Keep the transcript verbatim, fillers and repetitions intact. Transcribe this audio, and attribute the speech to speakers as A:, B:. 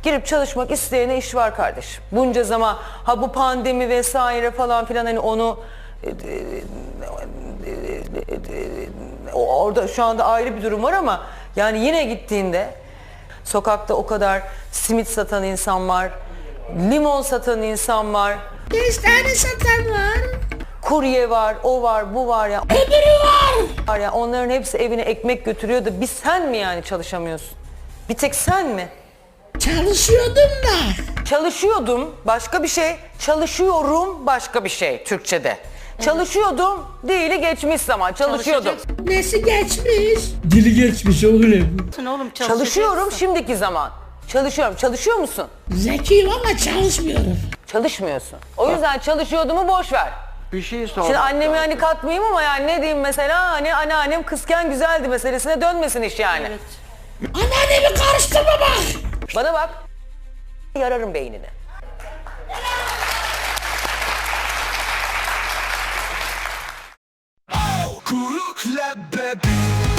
A: girip çalışmak isteyene iş var kardeşim. Bunca zaman ha bu pandemi vesaire falan filan hani onu orada şu anda ayrı bir durum var ama yani yine gittiğinde sokakta o kadar simit satan insan var, limon satan insan var.
B: Beş tane satan var.
A: Kurye var, o var, bu var ya.
B: Öbürü var.
A: Var ya onların hepsi evine ekmek götürüyor da bir sen mi yani çalışamıyorsun? Bir tek sen mi?
B: Çalışıyordum da.
A: Çalışıyordum başka bir şey, çalışıyorum başka bir şey Türkçe'de. Evet. Çalışıyordum değili geçmiş zaman çalışıyordum.
B: Nesi geçmiş?
C: Dili geçmiş oğlum.
D: Oğlum
A: Çalışıyorum şimdiki zaman. Çalışıyorum. Çalışıyor musun?
B: Zekiyim ama çalışmıyorum.
A: Çalışmıyorsun. O yüzden çalışıyordumu boş ver.
E: Bir şey sor.
A: Şimdi annemi hani katmayayım ama yani ne diyeyim mesela hani anneannem kızken güzeldi meselesine dönmesin iş yani.
D: Evet.
B: Anneannemi karıştırma bak.
A: Bana bak. Yararım beynini.
F: Kuruk leblebi